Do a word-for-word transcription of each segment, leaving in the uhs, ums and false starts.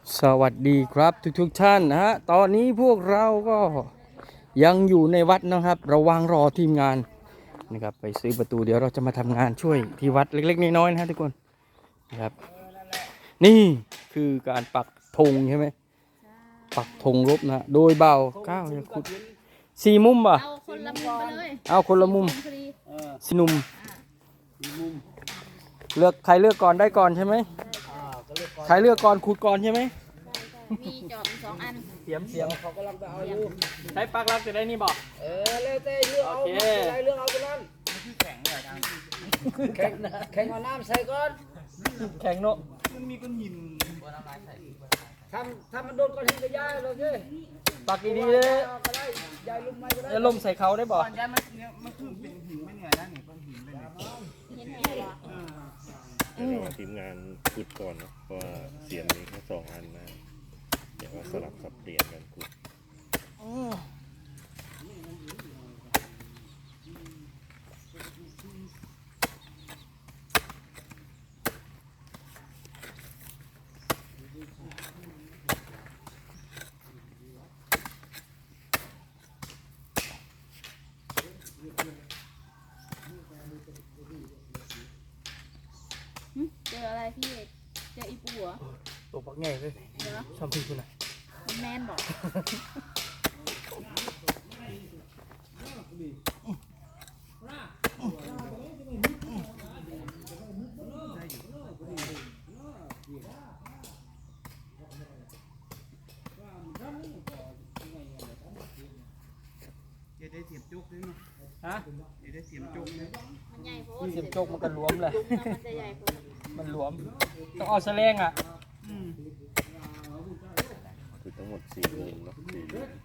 สวัสดีครับทุกทุกท่านนะฮะตอนนี้พวกเราก็ยังอยู่ในวัดนะครับระวังรอทีมงานนะครับไปซื้อประตูเดี๋ยวเราจะมาทำงานช่วยที่วัดเล็กๆน้อยๆนะฮะทุกคนนะครับนี่คือการปักธงใช่ไหมปักธงรบนะโดยเบาเก้าเนี่ยขุดสี่มุมป่ะเอาคนละมุมไปเลยเอาคนละมุมพอดีสิหนุมเลือกใครเลือกก่อนได้ก่อนใช่ไหมใครเลือกก่อนขุดก่อนใช่ไหมมีจอบสองอันเสียมเสียมเขากำลังจะเอาอยู่ใช้ปักรักจะได้นี่บอกเออเลยเต้เลือกเอาอะไรเลือกเอาตัวนั้นแข็งเลยดังแข็งแข็งเอาน้ำใส่ก่อนแข็งเนาะมันมีก้อนหินทำทำมันโดนก้อนหินก็ย้ายเลยสิปักดีๆเลยย้ายลุ่มไม่ก็ได้จะล่มใส่เขาได้บอกย้ายมันเนี่ยมันคือเป็นหินไม่เหนื่อยนะนี่ก้อนหินเลยเห็นแม่เหรอทีมงานขุดก่อนเนาะเพราะว่าเสียมมีแค่สองอันนะเดี๋ยวสลับสับเปลี่ยนกันขุดเจออะไรพี่เจออีปูเหรอตัวปักง่ายเลยชอบพี่คุณนะแมนบอกเดี๋ยวได้เสียบจุกด้วยมั้ยฮะเดี๋ยวได้เสียบจุกเลยมันใหญ่โพเสียมโจกมันก็หลวมเลยมันจะใหญ่โพมันหลวมต้องเอาแสลงอ่ะคือทั้งหมดสี่มุมเนาะสี่มุม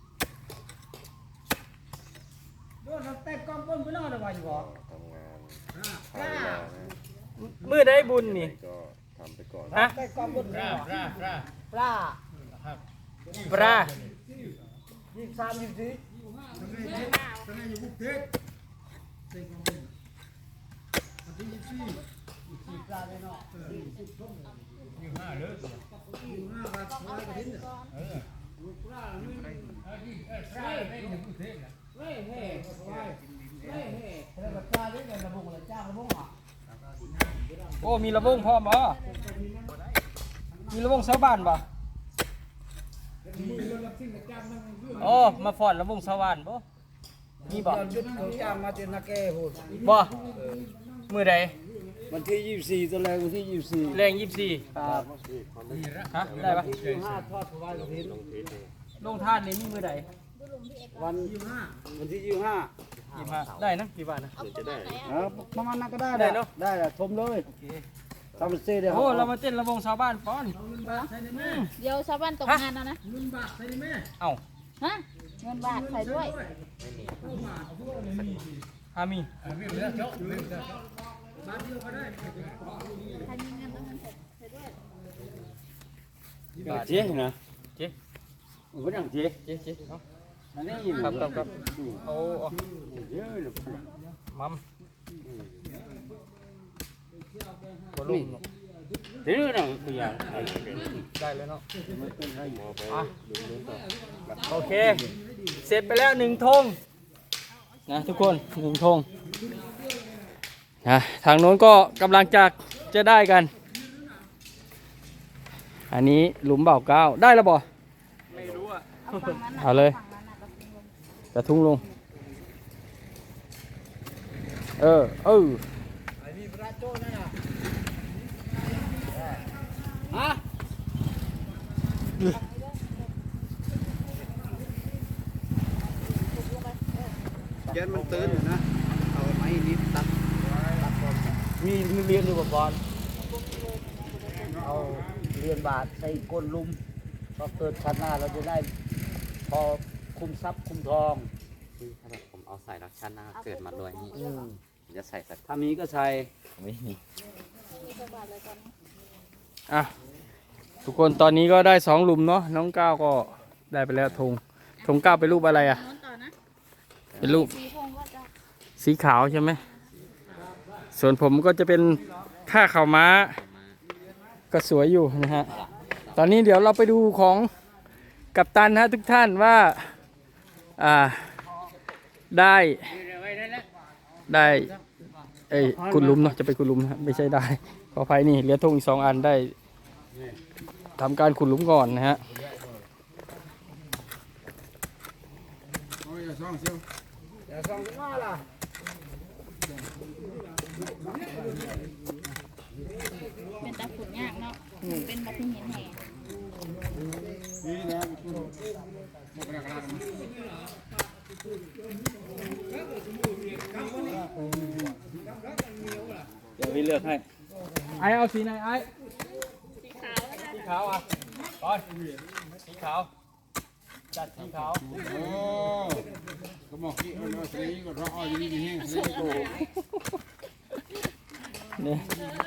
โดนเตะกองก้นไปนอนได้บ่อยู่บ่ทำงานใช้เวลานะมือได้บุญนี่ก็ทำไปก่อนฮะเตะกองก้นปลาปลาปลาปลาปลายี่สิบสามยี่สิบสี่ตอนนี้อยู่กรุงเทพเตะกองก้นวันที่ยี่สิบสี่ยี่ปลาเลยเนาะยี่สิบช่องยี่ห้าเลยยี่ห้าบาทร้อยกว่าทิ้งเออปลาไม่ได้ปลาไม่ได้อยู่กรุงเทพนะเฮ้ยเฮ้ยเฮ้ยเฮ้ยเฮ้ยแล้วปลาได้เงินระบงละจ้างระบงอ่ะโอ้มีระวงพร้อมบ่มีระวงชาวบ้านบ่โอ้มาฟอนระวงชาวบ้านบ่มีบ่จุดเขาจ้างมาเจนนาแก่โหดบ่มือใดวันที่ยี่สิบสี่ตอนแรกวันที่ยี่สิบสี่แรงยี่สิบสี่ครับฮะได้ปะห้าทอดถวายกระถิ่นลงท่านนี่มีมือใดวันยี่ห้าวันที่ยี่ห้ายี่ห้าได้นะกี่บาทนะจะได้ประมาณนั้นก็ได้ได้เนาะได้ละชมเลยทำเซ่ได้โอ้เรามาเต้นระวงชาวบ้านป้อนเดี๋ยวชาวบ้านตกงานแล้วนะเงินบาทใส่ได้ไหมเอ้าฮะเงินบาทใส่ด้วยฮามีบาทเดียวก็ได้ใครมีเงินต้องเงินใส่ด้วยบาทเจ๊นะเจ๊ vẫn làm gì เจ๊เจ๊เอา này nhìn ครับครับครับโอ้ nhớ มัมบอลลูน thế nữa nào bây giờ ได้เลยเนาะอ่ะโอเคเสร็จไปแล้วหนึ่งธงนะทุกคนหนึ่งธงนะทางโน้นก็กำลังจะจะได้กันอันนี้หลุมเบาเก้าได้แล้วบ่ไม่รู้อ่ะเอาเลยกระทุ้งลงเออเออฮะเย็นมันตื่นนะเอาไม้นิดตัดตัดบอลมีมีเรียนอยู่กับบอลเอาเรียนบาทใส่ก้นลุมพอเกิดชาติหน้าเราจะได้พอคุมทรัพย์คุมทองถ้าแบบผมเอาใส่รักชันหน้าเกิดมาด้วยนี่จะใส่สักถ้ามีก็ใส่ไม่มีอ่ะทุกคนตอนนี้ก็ได้สองหลุมเนาะน้องก้าวก็ได้ไปแล้วธงธงก้าวเป็นรูปอะไรอ่ะเป็นรูปสีขาวใช่ไหม ส่วนผมก็จะเป็นผ้าขาวม้าก็สวยอยู่นะฮะตอนนี้เดี๋ยวเราไปดูของกัปตันนะทุกท่านว่าอ่าได้ได้เอ้ยกุดหลุมเนาะจะไปกุดหลุมนะไม่ใช่ได้ขออภัยนี่เหลือธงอีกสองอันได้ทำการขุดหลุมก่อนนะฮะเอาอย่าซ่องเชียวอย่าซ่องจะมาล่ะเป็นตาขุดยากเนาะเป็นบัตรหินแห่นี่นะคุณหมดกระดาษมาเดี๋ยวพี่เลือกให้ไอเอาสีไหนไอสีขาวสีขาวอ่ะก่อนสีขาวจัดสีขาวโอ้ก็บอกที่เอาสีก็รออยู่นี่แห้งสีโตเนี่ย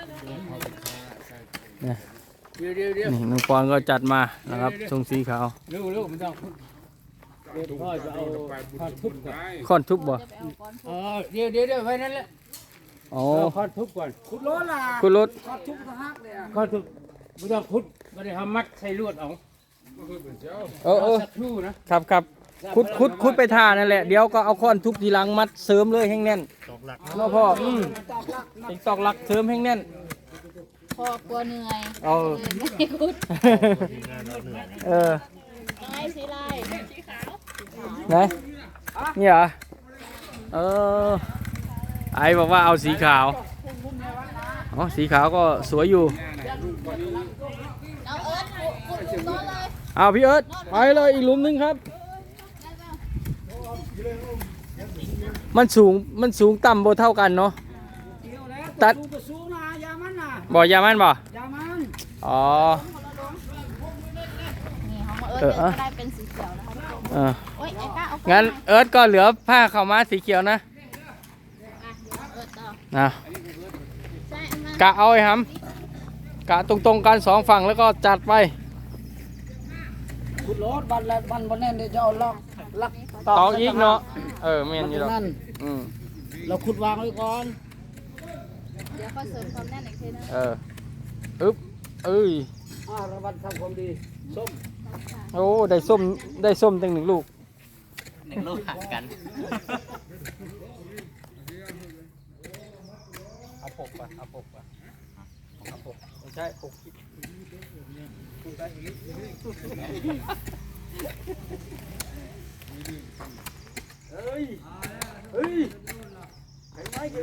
เนี่ยเดี๋ยวเดี๋ยวเดี๋ยวนี่น้องปอนก็จัดมานะครับทรงสีขาวเร็วเร็วมันต้องเดี๋ยวพ่อจะเอาผ้าทุบก่อนค้อนทุบบ่จะไปเอาก้อนเออเดี๋ยวเดี๋ยวเดี๋ยวไว้นั่นแหละอ๋อเอาผ้าทุบก่อนขุดโลล่ะคุณรถผ้าทุบก็ฮักเลยอ่ะผ้าทุบไม่ต้องขุดไม่ได้ทำมัดใส่ลวดเอาเออเออสักครู่นะครับครับคุดคุดคุดไปท่านั่นแหละเดี๋ยวก็เอาค้อนทุบทีหลังมัดเสริมเลยให้แน่นตอกหลักเนาะพ่ออืมอีกตอกหลักเสริมให้แน่นพ่อกลัวเหนื่อยเอาเลยไม่ขุดทีมงานเราเหนื่อยนะเออน้อยสีลายสีขาวไหนนี่เหรอเออไอบอกว่าเอาสีขาวอ๋อสีขาวก็สวยอยู่เอาเอิร์ธขุดขุดหลุมโน้นเลยเอาพี่เอิร์ธไปเลยอีกหลุมหนึงครับ มันสูงมันสูงต่ำโบเท่ากันเนาะตัดสูงก็สูงนะยามันนะบ่อยามันบ่ยามันอ๋อนี่ของเอิร์ธเออเดี๋ยวก็ได้เป็นสีเขียวนะคะทุกคนเออโอ้ยไอ้ก้าเอางั้นเอิร์ธก็เหลือผ้าขาวม้าสีเขียวนะอ่ะเดี๋ยวเอิร์ธต่อนะใช่มากะเอาไอ้หำกะตรงๆกันสองฝั่งแล้วก็จัดไปขุดรถบันแล้วบันบนแน่นเดี๋ยวจะเอาล็อกลักตอกอีกเนาะเออแม่นอยู่หรอกนั่นอืมเราขุดวางไว้ก่อนเดี๋ยวค่อยเสริมความแน่นอีกทีนึงเอออึ๊บเอ้ยอ่าระวังทำความดีส้มโอ้ได้ส้มได้ส้มตั้งหนึ่งลูกหนึ่งลูกหักกันเอาปกป่ะเอาปกป่ะเอาปกไม่ใช่ปกเฮ้ยเฮ้ยเห็นไหมคือ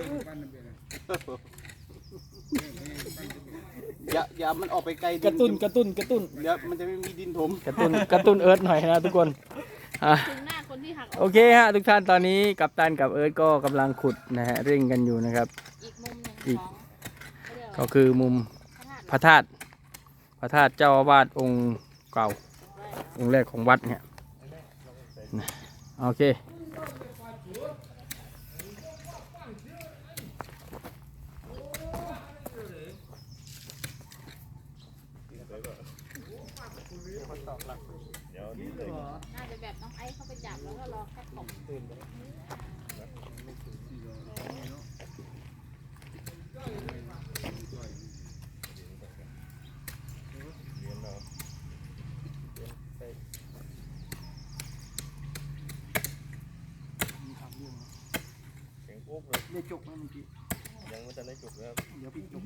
อย่าอย่ามันออกไปไกลกระตุ้นกระตุ้นกระตุ้นเดี๋ยวมันจะไม่มีดินถมกระตุ้นกระตุ้นเอิร์ธหน่อยนะทุกคนอ่ะถึงหน้าคนที่หักอโออกเคฮะทุกท่านตอนนี้กัปตันกับเอิร์ธก็กำลังขุดนะฮะเร่งกันอยู่นะครับอีกมุมหนึ่งอีกของเขาเรียกว่าก็คือมุมพระธาตุพระธาตุพระธาตุเจ้าอาวาสองค์เก่าองค์แรกของวัดเนี่ยนะโอเคเดี๋ยวนี้เลยน่าจะแบบน้องไอ้เข้าไปจับแล้วก็รอแค่ตกเสียงปุ๊บเลยได้จุกแล้วเมื่อกี้ยังไม่ทันได้จุกนะครับเดี๋ยวพี่จุก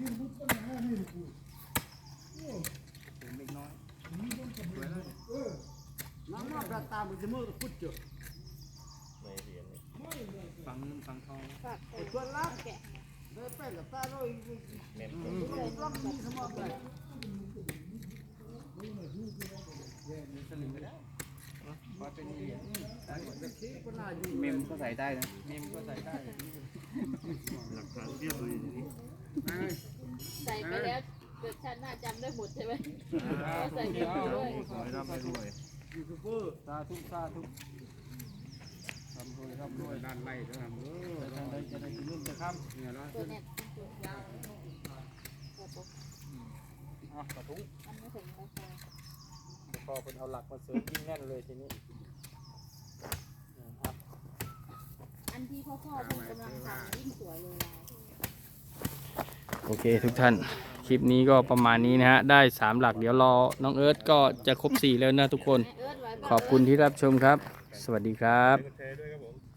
น้ำมาประตามมันจะมือพุดจุกในเหรียญนี่ฟังเงินฟังทองฝากไปชวนรักแกะได้เป็นกับตาโรยแม่นล็อกมีสมองเลยเมมก็ใส่ได้นะเมมก็ใส่ได้หลักฐานเรียบเลยทีนี้ใส่ไปแล้วเกิดชาติหน้าจำได้หมดใช่ไหมใส่ไปด้วยขอให้ร่ำให้รวยยูทูบเบอร์สาธุสาธุทำรวยทำรวยด้านไล่ทำเออจะได้จะได้กินนุ่นจะข้ามเนี่ยนะตัวเน็ตตัวอ่ะกระทุ้งมันไม่ถึงราคาพอคนเอาหลักมาเสริมยิ่งแน่นเลยทีนี้อันที่พ่อพ่อเพิ่งกำลังทำยิ่งสวยเลยลายโอเคทุกท่าน คคลิปนี้ก็ประมาณนี้นะฮะ ได้สามหลักเดี๋ยวรอน้องเอิร์ธก็จะครบสี่แล้วนะทุกคนเอิ้นไว้บ่ขอบคุณที่รับชมครับ สวัสดีครับกดแชร์ด้วยครับผม